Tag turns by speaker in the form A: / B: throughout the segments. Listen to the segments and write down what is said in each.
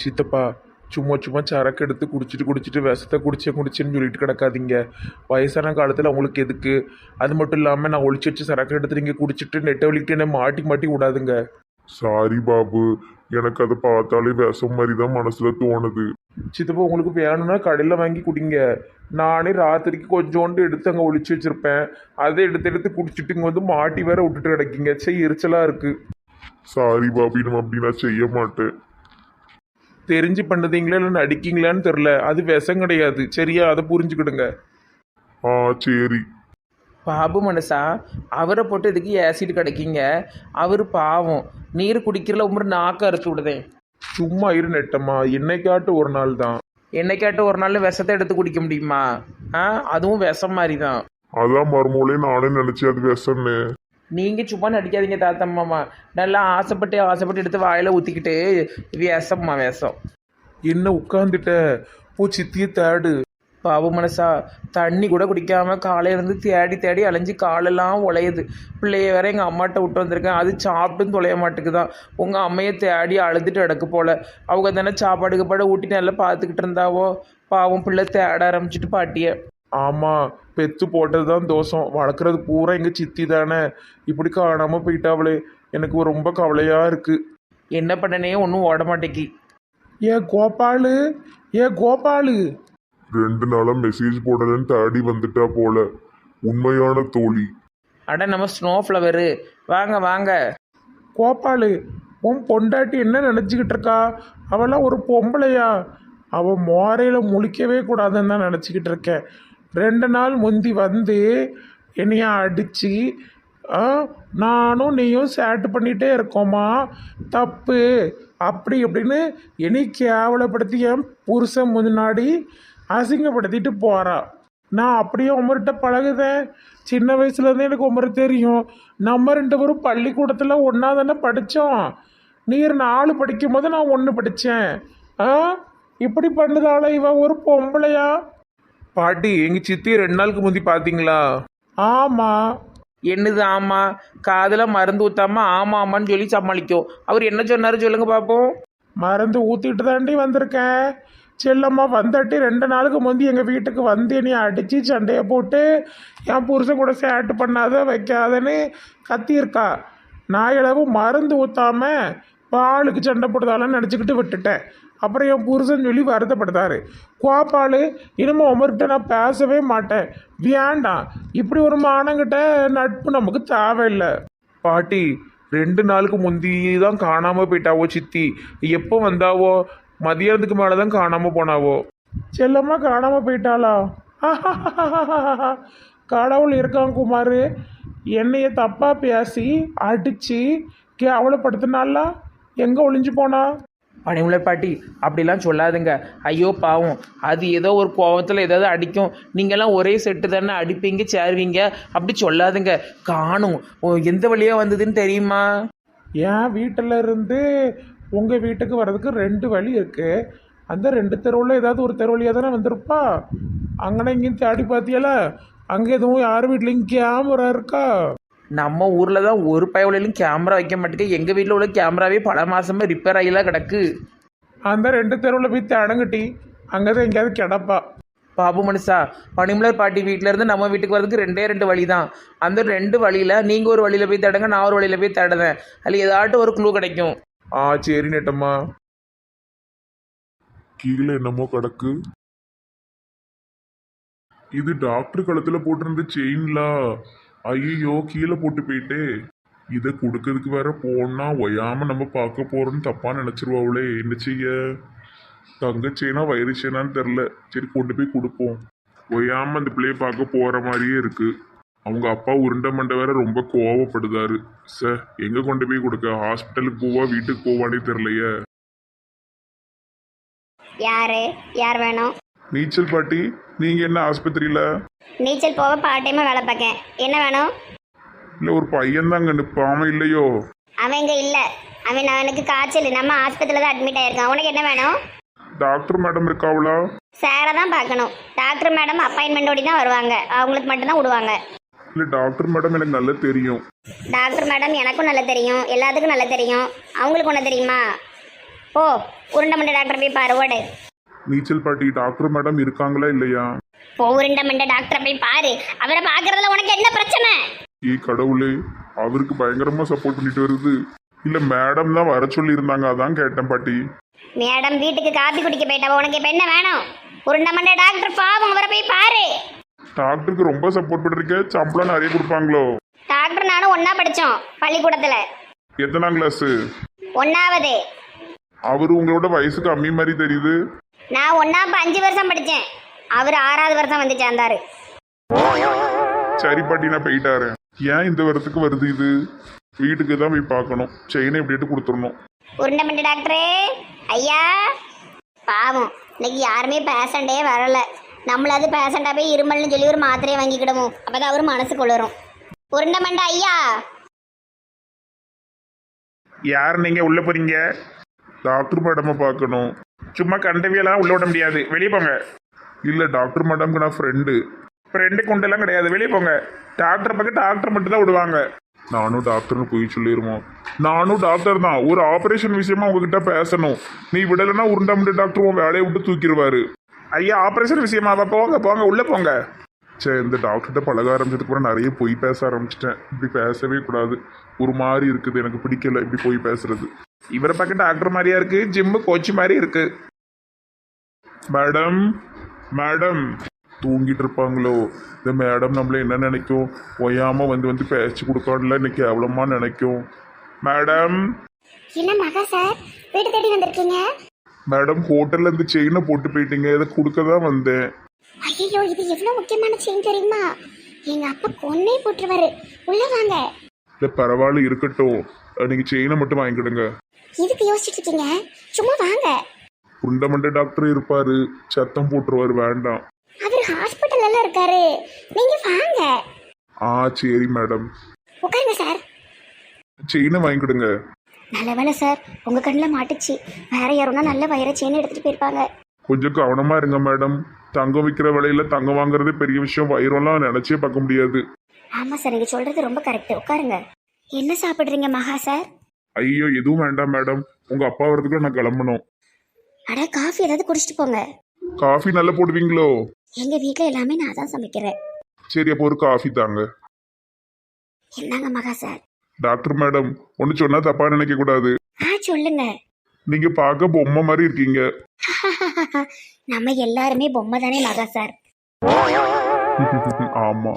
A: சித்தப்பா சும்மா சும்மா சரக்கு எடுத்து குடிச்சிட்டு விஷத்தை குடிச்சேன்னு சொல்லிட்டு கிடக்காதீங்க. வயசான காலத்தில் உங்களுக்கு எதுக்கு? அது மட்டும் இல்லாமல் நான் ஒளிச்சு வச்சு சரக்கு எடுத்து நீங்கள் குடிச்சிட்டு நெட்டை வலிக்கிட்டு என்ன மாட்டி மாட்டி விடாதுங்க.
B: சாரி பாபு, எனக்கு அதை பார்த்தாலே விஷம் மாதிரி தான் மனசுல தோணுது.
A: சித்தப்பா உங்களுக்கு வேணும்னா கடையில் வாங்கி குடிங்க. நானே ராத்திரிக்கு கொஞ்சோண்டு எடுத்து அங்கே ஒளிச்சு வச்சுருப்பேன். அதை எடுத்து குடிச்சிட்டு இங்கே வந்து மாட்டி வேற விட்டுட்டு கிடக்கீங்க. சரி எரிச்சலாக இருக்குது.
B: சாரி பாபு, நம்ம அப்படி நான் செய்ய மாட்டேன்.
A: தெரிஞ்சு பண்ணுதீங்களா இல்லை நடிக்கீங்களான்னு தெரில. அது விஷம் கிடையாது சரியா? அதை புரிஞ்சுக்கிடுங்க.
B: ஆ சரி.
C: பாபு மனுஷா, அவரை போட்டு இதுக்கு ஆசிட் கிடைக்கிங்க. அவர் பாவம், நீர் குடிக்கிறல உமர் நாக்க அறுத்து விடுதேன்.
A: சும்மா இரு நெட்டம்மா, என்னைக்காட்டு ஒரு நாள் தான்.
C: என்னைக்காட்டு ஒரு நாள் விஷத்தை எடுத்து குடிக்க முடியுமா? அதுவும் விஷம் மாதிரி தான்.
B: அதான் மறுமூலே நானே நினைச்சேன் அது விஷம்னு.
C: நீங்கள் சும்மா நடிக்காதீங்க தாத்தம்மாமா. நல்லா ஆசைப்பட்டு எடுத்து வாயில் ஊற்றிக்கிட்டு விஷம்மா விஷம்.
A: என்ன உட்காந்துட்ட? போ சித்திய தேடு.
C: பாபு மனசா, தண்ணி கூட குடிக்காம காலையிலேருந்து தேடி அலைஞ்சு காலெல்லாம் உழையுது. பிள்ளைய வேற எங்கள் அம்மாட்ட விட்டு வந்திருக்கேன். அது சாப்பிட்டும் தொலைய மாட்டேங்குதான். உங்கள் அம்மையை தேடி அழுதுட்டு கிடக்கு போல. அவங்க தானே சாப்பாடு ஊட்டி நல்லா பார்த்துக்கிட்டு இருந்தாவோ. பாவம் பிள்ளை தேட ஆரம்பிச்சிட்டு பாட்டிய.
A: ஆமாம், பெத்து போட்டது தான் தோஷம். வளர்க்குறது பூரா எங்கள் சித்தி தானே. இப்படி காணாமல் போயிட்டாவளே, எனக்கு ரொம்ப கவலையாக இருக்குது.
C: என்ன பண்ணனே ஒன்றும் ஓட மாட்டேங்கி.
A: ஏ கோபாலு
B: 2 நாளா மெசேஜ் போடலன்னு தேடி வந்துட்டா போல. உண்மையான தோழி.
C: அட நம்ம ஸ்னோ ஃப்ளவரு, வாங்க வாங்க.
A: கோபாலு, உன் பொண்டாட்டி என்ன நினச்சிக்கிட்டு இருக்கா? அவளாம் ஒரு பொம்பளையா? அவள் மோரையில் முழிக்கவே கூடாதுன்னு தான் நினச்சிக்கிட்டு இருக்கேன். 2 நாள் முந்தி வந்து என்னைய அடித்து நானும் நீயும் சேட்டு பண்ணிகிட்டே இருக்கோமா, தப்பு அப்படி அப்படின்னு என்னை கேவலப்படுத்தி என் புருஷன் முன்னாடி அசிங்கப்படுத்திட்டு போகிறா. நான் அப்படியே உமர்கிட்ட பழகுதேன். சின்ன வயசுலேருந்தே எனக்கு உமர் தெரியும். நம்ம 2 பேரும் பள்ளிக்கூடத்தில் ஒன்றா தானே படித்தோம். நீர் 4 படிக்கும் போது நான் 1 படித்தேன். இப்படி பண்ணுதால இவன் ஒரு பொம்பளையா? பாட்டி, எங்கள் சித்தி 2 நாளுக்கு முந்தி பார்த்தீங்களா? ஆமாம்.
C: என்னது ஆமாம்? காதில் மருந்து ஊற்றாம ஆமாம்மான்னு சொல்லி சமாளிக்கும். அவர் என்ன சொன்னார் சொல்லுங்க பார்ப்போம்.
A: மருந்து ஊற்றிட்டு தாண்டி வந்திருக்கேன். செல்லம்மா வந்தாட்டி 2 நாளுக்கு முந்தி எங்கள் வீட்டுக்கு வந்து என்னை அடித்து சண்டையை போட்டு என் புருஷன் கூட சேட்டு பண்ணாத வைக்காதன்னு கத்தியிருக்கா. நான் இளவு மருந்து ஊற்றாம பாலுக்கு சண்டை போடுதாலன்னு நினச்சிக்கிட்டு விட்டுட்டேன். அப்புறம் என் புருஷன் சொல்லி வருத்தப்படுத்தாரு. கோபாலு, இனிமே உமர்கிட்ட நான் பேசவே மாட்டேன். வேண்டாம், இப்படி ஒரு மானங்கிட்ட நட்பு நமக்கு தேவையில்லை. பாட்டி, 2 நாளுக்கு முந்தி தான் காணாமல் போயிட்டாவோ சித்தி. எப்போ வந்தாவோ? மதியானத்துக்கு மேலே தான் காணாமல் போனாவோ. செல்லம்மா காணாமல் போயிட்டாளா? கடவுள் இருக்கான் குமார். என்னைய தப்பாக பேசி அடித்து கேவலப்படுத்தினால எங்கே ஒளிஞ்சு போனா?
C: பனிமலர் பாட்டி, அப்படிலாம் சொல்லாதுங்க. ஐயோ பாவம், அது ஏதோ ஒரு கோவத்தில் ஏதாவது அடிக்கும். நீங்கள்லாம் ஒரே செட்டு தானே அடிப்பீங்க சேருவீங்க. அப்படி சொல்லாதுங்க. காணும் எந்த வழியாக வந்ததுன்னு தெரியுமா?
A: என் வீட்டில் இருந்து உங்கள் வீட்டுக்கு வர்றதுக்கு 2 வழி இருக்குது. அந்த 2 தெருவில் ஏதாவது ஒரு தெரு வழியாக தானே வந்திருப்பா. அங்கனே இங்கேயும் தேடி பார்த்தியால? அங்கே எதுவும் யார் வீட்லேயும் கேமரா இருக்கா?
C: நம்ம ஊரில் தான் ஒரு பயவுலையும் கேமரா வைக்க மாட்டேங்க. எங்கள் வீட்டில் உள்ள கேமராவே பல மாதமாக ரிப்பேர் ஆகிலாம் கிடக்கு.
A: அந்த 2 தெருவில் போய் தேடங்கட்டி, அங்கே தான் எங்கேயாவது கிடப்பா.
C: பாபு மனுஷா, பனிமலர் பாட்டி வீட்டிலேருந்து நம்ம வீட்டுக்கு வரதுக்கு 2 வழி தான். அந்த 2 வழியில் நீங்கள் ஒரு வழியில் போய் தேடுங்க, நான் ஒரு வழியில் போய் தேடுவேன். அதில் ஏதாட்டும் ஒரு க்ளூ கிடைக்கும்.
A: சரி நெட்டம்மா.
B: கீழே என்னமோ கிடக்கு. இது டாக்டர் கழுத்துல போட்டிருந்த செயின்லா. ஐயோ, கீழே போட்டு போயிட்டே. இதை கொடுக்கறதுக்கு வேற போனா ஒயாம நம்ம பார்க்க போறோம்னு தப்பா நினைச்சிருவாங்களே. என்ன செய்ய? தங்க செயினா வயிறு செயினான்னு தெரில. சரி, கொண்டு போய் கொடுப்போம். ஒயாம அந்த பிள்ளைய பார்க்க போற மாதிரியே இருக்கு. அவங்க அப்பா உருண்டை மண்டை வேற ரொம்ப கோவப்படுதாரு. சார், எங்க கொண்டு போய் கொடுக்க? ஹாஸ்பிட்டலுக்கு போவா வீட்டுக்கு போவானே தெரியலையே.
D: யார் வேணும்?
B: நீச்சல் பாட்டி, நீங்க என்ன ஆஸ்பத்திரியில?
D: நீச்சல் போக பார்ட் டைமா வேலை பார்க்கேன். என்ன வேணும்?
B: இல்ல, ஒரு பையன் தாங்க நிப்பாம இல்லையோ?
D: அவன் இங்க இல்ல. அவனுக்கு காய்ச்சல். நம்ம ஆஸ்பத்திரியில தான் அட்மிட் ஆயிருக்கான். உனக்கு என்ன வேணும்?
B: டாக்டர் மேடம் இருக்காவளா?
D: சாரை தான் பார்க்கணும். டாக்டர் மேடம் அப்பாயின்மெண்டோடி தான் வருவாங்க. அவங்களுக்கு மட்டும்தான் விடுவாங்க.
B: இல்ல, டாக்டர் மேடம் எனக்கு நல்லா தெரியும்.
D: டாக்டர் மேடம் எனக்கும் நல்லா தெரியும், எல்லாத்துக்கும் நல்லா தெரியும். அவங்களுக்கு ஒன்று தெரியுமா? போ உருண்டை மண்டை டாக்டர் போய் பாரு ஓடு.
B: நீச்சல் பாட்டி டாக்டர் மேடம் இருக்காங்களா இல்லையா?
D: போ உருண்டை மண்டை டாக்டரை போய் பாரு. அவரை பார்க்கறதுல உனக்கு என்ன பிரச்சனை?
B: ஏய் கடவுளே, அவருக்கு பயங்கரமா சப்போர்ட் பண்ணிட்டு வருது. இல்ல மேடம் தான் வர சொல்லி இருந்தாங்க, அதான் கேட்டேன் பாட்டி.
D: மேடம் வீட்டுக்கு காப்பி குடிக்க போயிட்டா. உனக்கு இப்ப என்ன வேணும்? உருண்டை மண்டை டாக்டர் பாவம், அவரை போய் பாரு.
B: டாக்டருக்கு ரொம்ப சப்போர்ட் பண்ணிருக்க, சம்பளம் நிறைய கொடுப்பாங்களோ?
D: டாக்டர் நானும் ஒண்ணா படிச்சோம் பள்ளிக்கூடத்துல.
B: எத்தனாம் கிளாஸ்?
D: 1வது.
B: அவரு உங்களோட வயசு கம்மி மாதிரி தெரியுது.
D: நான் 1ஆம் 5 வருஷம் படிச்சேன். அவர் 6வது வருஷம் வந்து சேர்ந்தாரு.
B: சரி பாட்டி, நான் போயிட்டாரு. ஏன் இந்த வருஷத்துக்கு வருது இது? வீட்டுக்கு தான் போய் பார்க்கணும். செயினை எப்படிட்டு கொடுத்துடணும்.
D: உருண்டை மண்டை டாக்டரே, ஐயா. பாவம் இன்னைக்கு யாருமே பேஷண்டே வரல. நம்மளாவது பேஷண்டா போய் இருமல்னு சொல்லி ஒரு மாத்திரையை வாங்கிக்கிடுவோம். அப்பதான் அவர் மனசு கொள்ளுறோம். உருண்டை மண்டை ஐயா.
A: யார் நீங்கள் உள்ளே போகிறீங்க?
B: டாக்டர் மேடமை பார்க்கணும்.
A: சும்மா கண்டவியெல்லாம் உள்ளே விட முடியாது, வெளியே போங்க.
B: இல்ல டாக்டர் மேடம்க்கு நான் ஃப்ரெண்டு.
A: ஃப்ரெண்டு கொண்டெல்லாம் கிடையாது, வெளியே போங்க. டாக்டர் பக்கம் டாக்டர் மட்டும் தான் விடுவாங்க.
B: நானும் டாக்டர்னு போய் சொல்லிடுவோம். நானும் டாக்டர் தான், ஒரு ஆபரேஷன் விஷயமா உங்ககிட்ட பேசணும். நீ விடலைன்னா உருண்டாமட்டு டாக்டர் உன் வேலையை விட்டு தூக்கிடுவாரு.
A: ஐயா ஆப்ரேஷன் விஷயமாவா? போங்க போங்க, உள்ளே போங்க.
B: சரி, இந்த டாக்டர்கிட்ட பழக ஆரம்பிச்சதுக்கு அப்புறம் நிறைய பொய் பேச ஆரம்பிச்சிட்டேன். இப்படி பேசவே கூடாது, ஒரு மாதிரி இருக்குது, எனக்கு பிடிக்கல இப்படி போய் பேசுறது.
A: இவரை பக்கம் டாக்டர் மாதிரியா இருக்கு, ஜிம்மு கோச் மாதிரி இருக்கு.
B: மேடம் மேடம் தூங்கிட்டு இருப்பாங்களோ? இந்த மேடம் நம்மள என்ன நினைக்கும்? ஒய்யாம வந்து வந்து பேச்சு கொடுக்கல, இன்னைக்கு எவ்வளோமா நினைக்கும். மேடம்
D: என்ன மகா சார் வீடு தேடி வந்திருக்கீங்க?
B: மேடம் ஹோட்டல்ல இருந்து செயினை போட்டு போயிட்டீங்க, இதை கொடுக்க தான் வந்தேன்.
D: ஐயோ இது எவ்வளவு முக்கியமான செயின் தெரியுமா? எங்க அப்பா கொன்னே போட்டுருவாரு. உள்ள வாங்க.
B: இல்லை பரவாயில்ல இருக்கட்டும், நீங்க செயினை மட்டும் வாங்கிக்கிடுங்க.
D: இதுக்கு யோசிச்சுட்டு இருக்கீங்க? சும்மா வாங்க.
B: உண்டமண்ட டாக்டர் இருப்பாரு, சத்தம் போட்டுருவாரு, வேண்டாம்.
D: அவர் ஹாஸ்பிட்டல்ல இருக்காரு, நீங்க வாங்க.
B: சரி மேடம்.
D: உட்காருங்க சார்.
B: செயினை வாங்கிக்கிடுங்க.
D: நல்ல வேலை சார், உங்க கண்ணில் மாட்டுச்சு. வேற யாருன்னா நல்ல வயிற செயின் எடுத்துட்டு போயிருப்பாங்க.
B: கொஞ்சம் கவனமா இருங்க மேடம். தங்கம் விற்கிற விலையில தங்கம் வாங்குறதே பெரிய விஷயம், வயிறெல்லாம் நினைச்சே பார்க்க முடியாது.
D: ஆமா சார், நீங்க சொல்றது ரொம்ப கரெக்ட். உட்காருங்க. என்ன சாப்பிடுறீங்க மகா சார்?
B: ஐயோ எதுவும் வேண்டாம் மேடம், உங்க அப்பா வரதுக்குள்ள நான் கிளம்பணும்.
D: அட காஃபி ஏதாவது குடிச்சிட்டு போங்க.
B: காஃபி நல்லா போடுவீங்களோ?
D: எங்க வீட்ல எல்லாமே நான் தான் சமைக்கிறேன்.
B: சரி அப்போ ஒரு காஃபி தாங்க.
D: என்னங்க மகா சார்?
B: டாக்டர் மேடம் ஒன்று சொன்னா தப்பா நினைக்க கூடாது.
D: சொல்லுங்க.
B: நீங்க பார்க்க பொம்மை மாதிரி இருக்கீங்க.
D: நம்ம எல்லாருமே பொம்மை தானே மகா சார்.
B: ஆமா,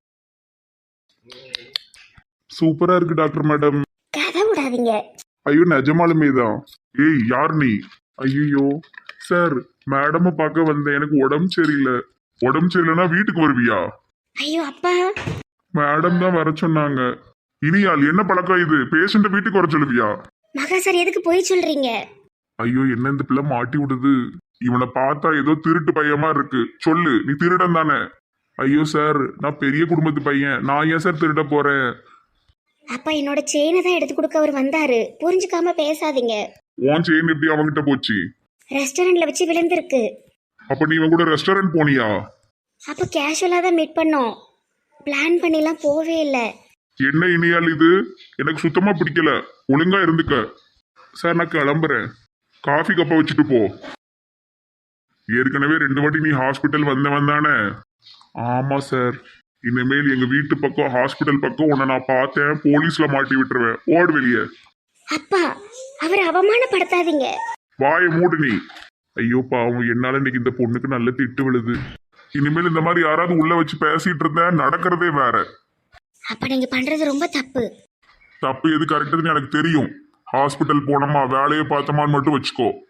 B: சூப்பரா இருக்கு டாக்டர் மேடம்.
D: கதை விடாதீங்க.
B: ஐயோ நிஜமாலுமே தான். ஏய் யார் நீ? ஐயோ சார், மேடமை பார்க்க வந்தேன், எனக்கு உடம்பு சரியில்லை. உடம்பு சரியில்லைன்னா வீட்டுக்கு வருவியா?
D: ஐயோ அப்பா.
B: மேடம் தான் வர சொன்னாங்க. இனியால் என்ன பழக்கம் இது? பேஷண்ட வீட்டுக்கு வர சொல்லுவியா?
D: மகா சார் எதுக்கு போய் சொல்றீங்க?
B: ஐயோ என்ன இந்த பிள்ளை மாட்டி விடுது. இவனை பார்த்தா ஏதோ திருட்டு பையமா இருக்கு. சொல்லு, நீ திருடன் தானே? ஐயோ சார், நான் பெரிய குடும்பத்து பையன், நான் ஏன் சார் திருட போறேன்?
D: அப்பா என்னோட செயினை தான் எடுத்து கொடுக்க அவர் வந்தாரு. புரிஞ்சுக்காம பேசாதீங்க.
B: உன் செயின் எப்படி அவங்கிட்ட போச்சு?
D: ரெஸ்டாரண்ட்ல வச்சு விழுந்திருக்கு.
B: அப்ப நீ இவன் கூட ரெஸ்டாரண்ட் போனியா?
D: அப்ப கேஷுவலா தான் மீட் பண்ணோம். பிளான் பண்ணிலாம் போவே இல்லை.
B: என்ன இனியால் இது? எனக்கு சுத்தமா பிடிக்கல, ஒழுங்கா இருந்துக்க. சார் நான் கிளம்புறேன், காஃபி கப்பை வச்சுட்டு போ. ஏற்கனவே 2 வாட்டி நீ ஹாஸ்பிட்டல் வந்தானே? ஆமா சார். இனிமேல் எங்க வீட்டு பக்கம் ஹாஸ்பிட்டல் பக்கம் உன்னை நான் பார்த்தேன், போலீஸ்ல மாட்டி விட்டுருவேன். ஓடு வெளியே.
D: அப்பா அவர் அவமானப்படுத்தாதீங்க.
B: வாயை மூடு நீ. ஐயோ பாவம், என்னால இன்னைக்கு இந்த பொண்ணுக்கு நல்ல திட்டு விழுது. இனிமேல் இந்த மாதிரி யாராவது உள்ள வச்சு பேசிட்டு இருந்தேன், நடக்கிறதே வேற.
D: அப்ப நீங்க பண்றது ரொம்ப தப்பு.
B: தப்பு எது கரெக்டுன்னு எனக்கு தெரியும். ஹாஸ்பிட்டல் போனோமா வேலையை பார்த்தோமான்னு மட்டும் வச்சுக்கோ.